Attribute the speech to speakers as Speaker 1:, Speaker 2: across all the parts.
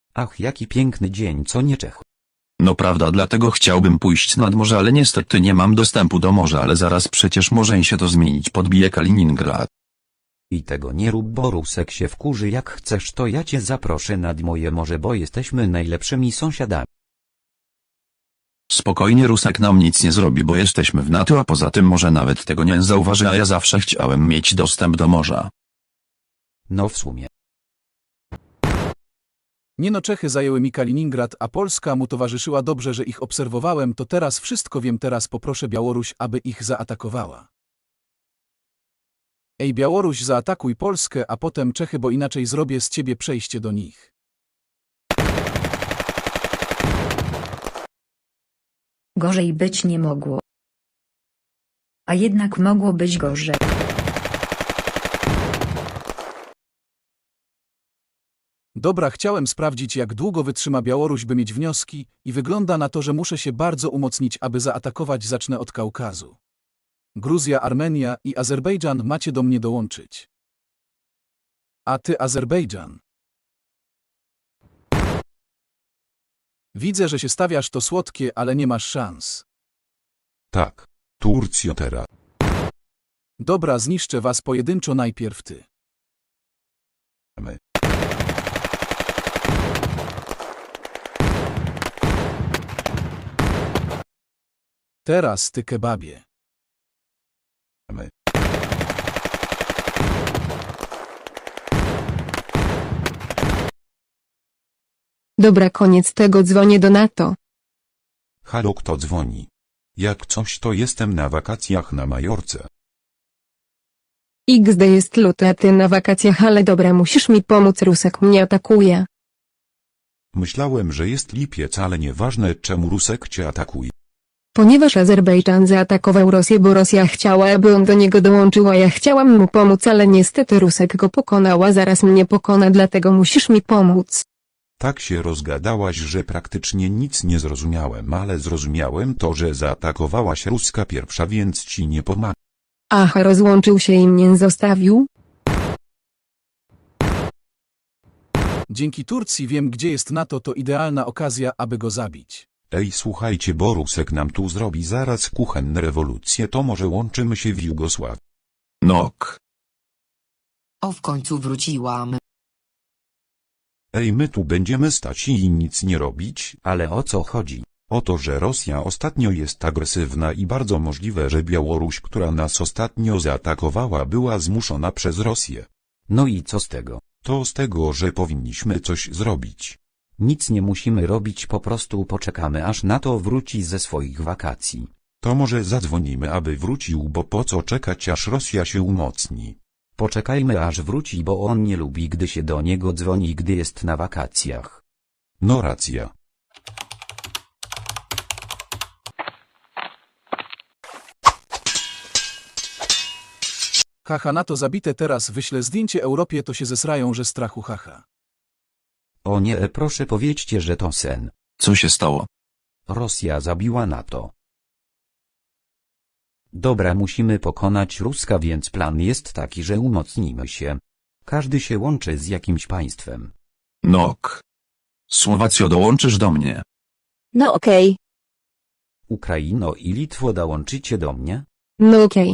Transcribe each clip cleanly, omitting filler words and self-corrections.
Speaker 1: Ach, jaki piękny dzień, co nie Czech.
Speaker 2: No prawda, dlatego chciałbym pójść nad morze, ale niestety nie mam dostępu do morza, ale zaraz przecież może się to zmienić, podbije Kaliningrad.
Speaker 1: I tego nie rób, bo Rusek się wkurzy. Jak chcesz, to ja cię zaproszę nad moje morze, bo jesteśmy najlepszymi sąsiadami.
Speaker 2: Spokojnie, Rusek nam nic nie zrobi, bo jesteśmy w NATO, a poza tym może nawet tego nie zauważy, a ja zawsze chciałem mieć dostęp do morza.
Speaker 1: No w sumie.
Speaker 3: Nie no, Czechy zajęły mi Kaliningrad, a Polska mu towarzyszyła. Dobrze, że ich obserwowałem, to teraz wszystko wiem. Teraz poproszę Białoruś, aby ich zaatakowała. Ej, Białoruś, zaatakuj Polskę, a potem Czechy, bo inaczej zrobię z ciebie przejście do nich.
Speaker 4: Gorzej być nie mogło. A jednak mogło być gorzej.
Speaker 3: Dobra, chciałem sprawdzić, jak długo wytrzyma Białoruś, by mieć wnioski, i wygląda na to, że muszę się bardzo umocnić, aby zaatakować. Zacznę od Kaukazu. Gruzja, Armenia i Azerbejdżan, macie do mnie dołączyć. A ty, Azerbejdżan. Widzę, że się stawiasz, to słodkie, ale nie masz szans.
Speaker 5: Tak. Turcja teraz.
Speaker 3: Dobra, zniszczę was pojedynczo, najpierw ty.
Speaker 5: My.
Speaker 3: Teraz ty, kebabie.
Speaker 5: My.
Speaker 6: Dobra, koniec tego, dzwonię do NATO.
Speaker 5: Halo, kto dzwoni? Jak coś, to jestem na wakacjach na Majorce.
Speaker 6: XD jest luty, a ty na wakacjach, ale dobra, musisz mi pomóc, Rusek mnie atakuje.
Speaker 5: Myślałem, że jest lipiec, ale nieważne, czemu Rusek cię atakuje.
Speaker 6: Ponieważ Azerbejdżan zaatakował Rosję, bo Rosja chciała, aby on do niego dołączył, a ja chciałam mu pomóc, ale niestety Rusek go pokonał, a zaraz mnie pokona, dlatego musisz mi pomóc.
Speaker 5: Tak się rozgadałaś, że praktycznie nic nie zrozumiałem, ale zrozumiałem to, że zaatakowałaś Ruska pierwsza, więc ci nie pomagam.
Speaker 6: Aha, rozłączył się i mnie zostawił?
Speaker 3: Dzięki Turcji wiem, gdzie jest NATO, to idealna okazja, aby go zabić.
Speaker 5: Ej, słuchajcie, bo Rusek nam tu zrobi zaraz kuchenne rewolucje, to może łączymy się w Jugosławii.
Speaker 2: Nok.
Speaker 7: O, w końcu wróciłam.
Speaker 5: Ej, my tu będziemy stać i nic nie robić?
Speaker 1: Ale o co chodzi?
Speaker 5: O to, że Rosja ostatnio jest agresywna i bardzo możliwe, że Białoruś, która nas ostatnio zaatakowała, była zmuszona przez Rosję.
Speaker 1: No i co z tego?
Speaker 5: To z tego, że powinniśmy coś zrobić.
Speaker 1: Nic nie musimy robić, po prostu poczekamy, aż NATO wróci ze swoich wakacji.
Speaker 5: To może zadzwonimy, aby wrócił, bo po co czekać, aż Rosja się umocni.
Speaker 1: Poczekajmy, aż wróci, bo on nie lubi, gdy się do niego dzwoni, gdy jest na wakacjach.
Speaker 5: No racja.
Speaker 3: Haha, NATO zabite, teraz wyślę zdjęcie Europie, to się zesrają, że strachu, haha.
Speaker 1: O nie, proszę powiedzcie, że to sen.
Speaker 2: Co się stało?
Speaker 1: Rosja zabiła NATO. Dobra, musimy pokonać Ruska, więc plan jest taki, że umocnimy się. Każdy się łączy z jakimś państwem.
Speaker 2: Nok. Słowacjo, dołączysz do mnie.
Speaker 6: No okej.
Speaker 1: Ukraino i Litwo, dołączycie do mnie?
Speaker 6: No okej.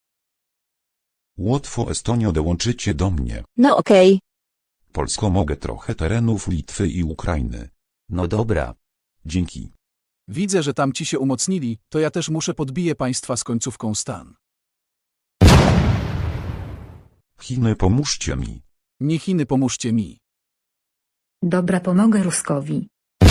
Speaker 5: Łotwo, Estonio, dołączycie do mnie.
Speaker 6: No okej.
Speaker 5: Polsko, mogę trochę terenów Litwy i Ukrainy.
Speaker 1: No dobra.
Speaker 5: Dzięki.
Speaker 3: Widzę, że tam ci się umocnili, to ja też muszę podbiję państwa z końcówką stan.
Speaker 5: Chiny, pomóżcie mi.
Speaker 3: Nie Chiny, pomóżcie mi.
Speaker 4: Dobra, pomogę Ruskowi.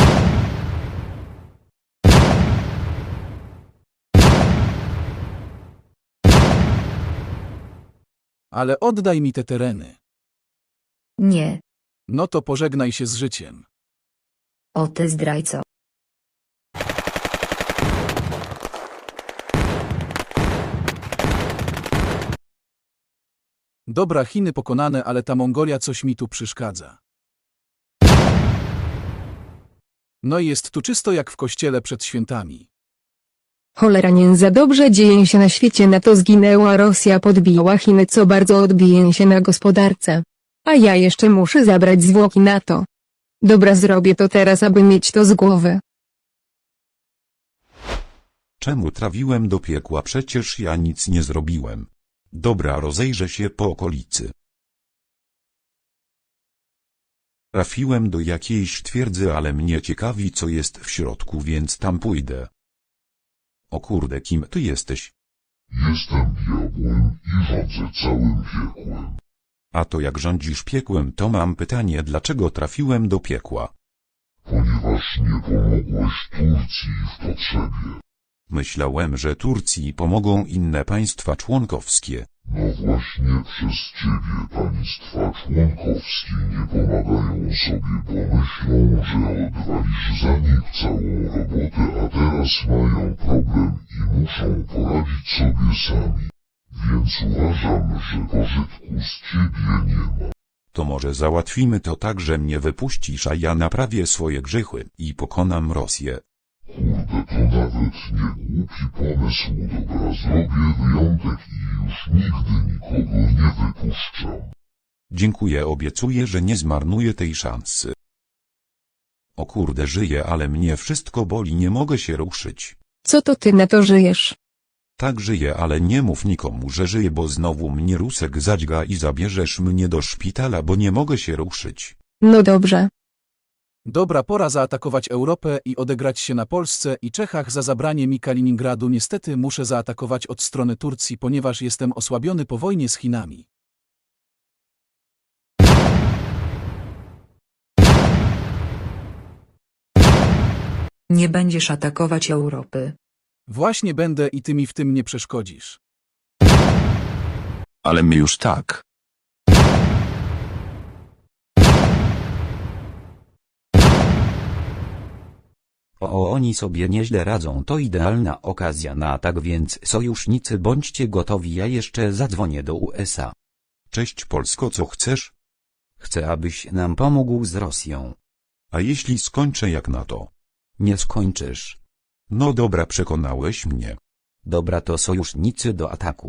Speaker 3: Ale oddaj mi te tereny.
Speaker 4: Nie.
Speaker 3: No to pożegnaj się z życiem.
Speaker 4: O ty zdrajco.
Speaker 3: Dobra, Chiny pokonane, ale ta Mongolia coś mi tu przeszkadza. No i jest tu czysto jak w kościele przed świętami.
Speaker 6: Cholera, nie za dobrze dzieje się na świecie, NATO zginęła, Rosja podbiła Chiny, co bardzo odbije się na gospodarce. A ja jeszcze muszę zabrać zwłoki NATO. Dobra, zrobię to teraz, aby mieć to z głowy.
Speaker 5: Czemu trafiłem do piekła? Przecież ja nic nie zrobiłem. Dobra, rozejrzę się po okolicy. Trafiłem do jakiejś twierdzy, ale mnie ciekawi, co jest w środku, więc tam pójdę. O kurde, kim ty jesteś?
Speaker 8: Jestem diabłem i rządzę całym piekłem.
Speaker 5: A to jak rządzisz piekłem, to mam pytanie, dlaczego trafiłem do piekła?
Speaker 8: Ponieważ nie pomogłeś Turcji w potrzebie.
Speaker 5: Myślałem, że Turcji pomogą inne państwa członkowskie.
Speaker 8: No właśnie przez ciebie państwa członkowskie nie pomagają sobie, bo myślą, że odwalisz za nich całą robotę, a teraz mają problem i muszą poradzić sobie sami. Więc uważam, że pożytku z ciebie nie ma.
Speaker 5: To może załatwimy to tak, że mnie wypuścisz, a ja naprawię swoje grzechy i pokonam Rosję.
Speaker 8: Kurde, to nawet nie głupi pomysł. Dobra, zrobię wyjątek i już nigdy nikogo nie wypuszczam.
Speaker 5: Dziękuję, obiecuję, że nie zmarnuję tej szansy. O kurde, żyję, ale mnie wszystko boli, nie mogę się ruszyć.
Speaker 6: Co to ty na to żyjesz?
Speaker 5: Tak żyję, ale nie mów nikomu, że żyję, bo znowu mnie Rusek zadźga i zabierzesz mnie do szpitala, bo nie mogę się ruszyć.
Speaker 6: No dobrze.
Speaker 3: Dobra, pora zaatakować Europę i odegrać się na Polsce i Czechach za zabranie mi Kaliningradu. Niestety muszę zaatakować od strony Turcji, ponieważ jestem osłabiony po wojnie z Chinami.
Speaker 4: Nie będziesz atakować Europy.
Speaker 3: Właśnie będę i ty mi w tym nie przeszkodzisz.
Speaker 2: Ale my już tak.
Speaker 1: O, oni sobie nieźle radzą, to idealna okazja na atak, więc sojusznicy bądźcie gotowi, ja jeszcze zadzwonię do USA.
Speaker 5: Cześć Polsko, co chcesz?
Speaker 1: Chcę, abyś nam pomógł z Rosją.
Speaker 5: A jeśli skończę jak na to?
Speaker 1: Nie skończysz.
Speaker 5: No dobra, przekonałeś mnie.
Speaker 1: Dobra, to sojusznicy do ataku.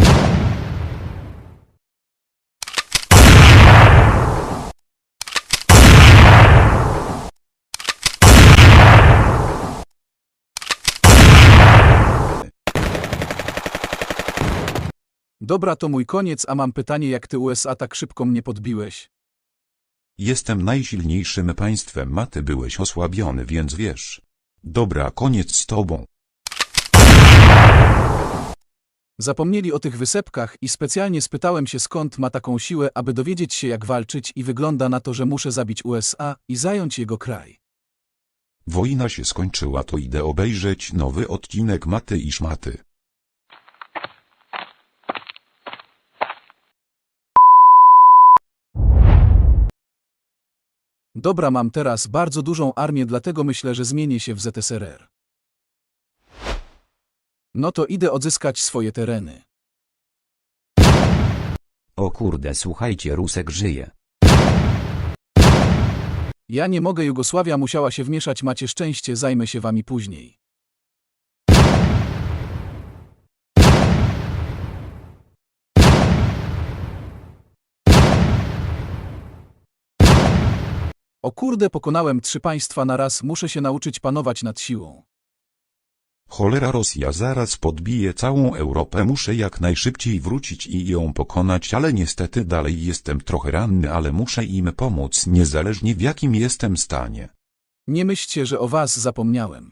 Speaker 3: Dobra, to mój koniec, a mam pytanie, jak ty USA tak szybko mnie podbiłeś?
Speaker 5: Jestem najsilniejszym państwem, a ty byłeś osłabiony, więc wiesz. Dobra, koniec z tobą.
Speaker 3: Zapomnieli o tych wysepkach i specjalnie spytałem się, skąd ma taką siłę, aby dowiedzieć się, jak walczyć, i wygląda na to, że muszę zabić USA i zająć jego kraj.
Speaker 5: Wojna się skończyła, to idę obejrzeć nowy odcinek Maty i Szmaty.
Speaker 3: Dobra, mam teraz bardzo dużą armię, dlatego myślę, że zmienię się w ZSRR. No to idę odzyskać swoje tereny.
Speaker 1: O kurde, słuchajcie, Rusek żyje.
Speaker 3: Ja nie mogę, Jugosławia musiała się wmieszać, macie szczęście, zajmę się wami później. O kurde, pokonałem 3 państwa na raz, muszę się nauczyć panować nad siłą.
Speaker 5: Cholera, Rosja zaraz podbije całą Europę, muszę jak najszybciej wrócić i ją pokonać, ale niestety dalej jestem trochę ranny, ale muszę im pomóc, niezależnie w jakim jestem stanie.
Speaker 3: Nie myślcie, że o was zapomniałem.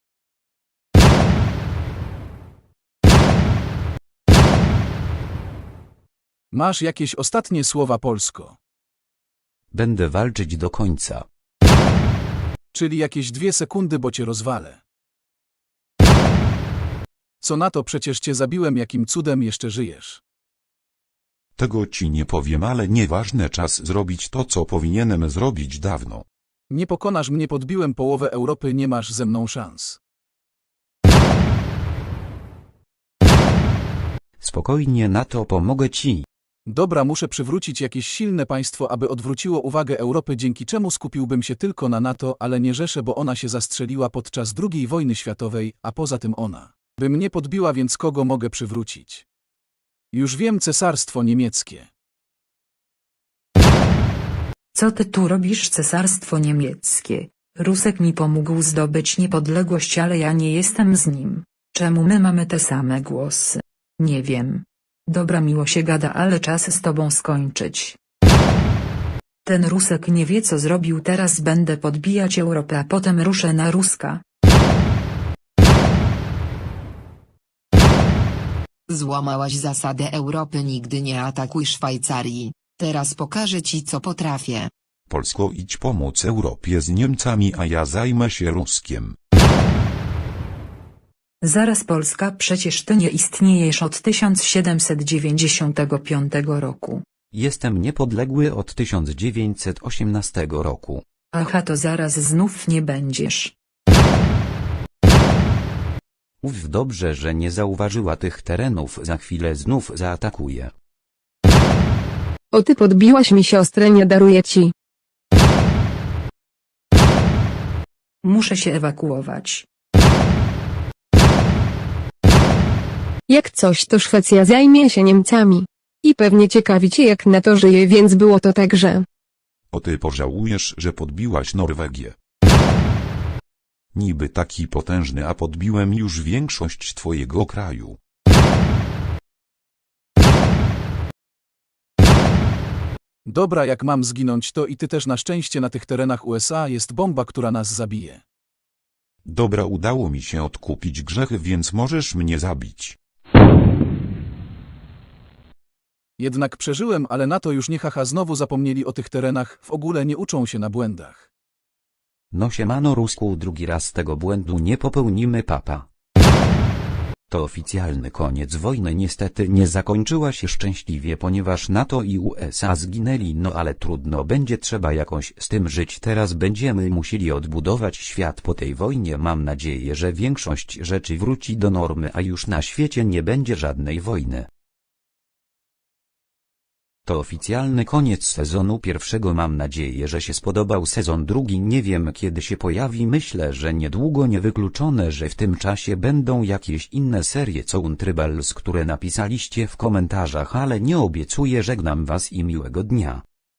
Speaker 3: Masz jakieś ostatnie słowa, Polsko?
Speaker 1: Będę walczyć do końca.
Speaker 3: Czyli jakieś 2 sekundy, bo cię rozwalę. Co na to, przecież cię zabiłem, jakim cudem jeszcze żyjesz?
Speaker 5: Tego ci nie powiem, ale nieważne, czas zrobić to, co powinienem zrobić dawno.
Speaker 3: Nie pokonasz mnie, podbiłem połowę Europy, nie masz ze mną szans.
Speaker 1: Spokojnie, na to pomogę ci.
Speaker 3: Dobra, muszę przywrócić jakieś silne państwo, aby odwróciło uwagę Europy, dzięki czemu skupiłbym się tylko na NATO, ale nie Rzeszę, bo ona się zastrzeliła podczas II wojny światowej, a poza tym ona by mnie podbiła, więc kogo mogę przywrócić? Już wiem, Cesarstwo Niemieckie.
Speaker 4: Co ty tu robisz, cesarstwo niemieckie? Rusek mi pomógł zdobyć niepodległość, ale ja nie jestem z nim. Czemu my mamy te same głosy? Nie wiem. Dobra, miło się gada, ale czas z tobą skończyć. Ten Rusek nie wie, co zrobił, teraz będę podbijać Europę, a potem ruszę na Ruska.
Speaker 7: Złamałaś zasadę Europy, nigdy nie atakuj Szwajcarii. Teraz pokażę ci, co potrafię.
Speaker 5: Polsko, idź pomóc Europie z Niemcami, a ja zajmę się Ruskiem.
Speaker 4: Zaraz, Polska, przecież ty nie istniejesz od 1795 roku.
Speaker 1: Jestem niepodległy od 1918 roku.
Speaker 4: Aha, to zaraz znów nie będziesz.
Speaker 1: Uf, dobrze, że nie zauważyła tych terenów, za chwilę znów zaatakuje.
Speaker 6: O, ty podbiłaś mi siostrę, nie daruję ci.
Speaker 4: Muszę się ewakuować.
Speaker 6: Jak coś, to Szwecja zajmie się Niemcami. I pewnie ciekawi cię, jak na to żyje, więc było to tak, że...
Speaker 5: O, ty pożałujesz, że podbiłaś Norwegię. Niby taki potężny, a podbiłem już większość twojego kraju.
Speaker 3: Dobra, jak mam zginąć, to i ty też. Na szczęście na tych terenach USA jest bomba, która nas zabije.
Speaker 5: Dobra, udało mi się odkupić grzechy, więc możesz mnie zabić.
Speaker 3: Jednak przeżyłem, ale na to już nie, haha, znowu zapomnieli o tych terenach, w ogóle nie uczą się na błędach.
Speaker 1: No siemano Rusku, drugi raz tego błędu nie popełnimy, papa. To oficjalny koniec wojny, niestety nie zakończyła się szczęśliwie, ponieważ NATO i USA zginęli, no ale trudno, będzie trzeba jakoś z tym żyć. Teraz będziemy musieli odbudować świat po tej wojnie. Mam nadzieję, że większość rzeczy wróci do normy, a już na świecie nie będzie żadnej wojny. To oficjalny koniec sezonu pierwszego. Mam nadzieję, że się spodobał. Sezon drugi nie wiem, kiedy się pojawi. Myślę, że niedługo. Niewykluczone, że w tym czasie będą jakieś inne serie co Untrybals, które napisaliście w komentarzach, ale nie obiecuję. Żegnam was i miłego dnia.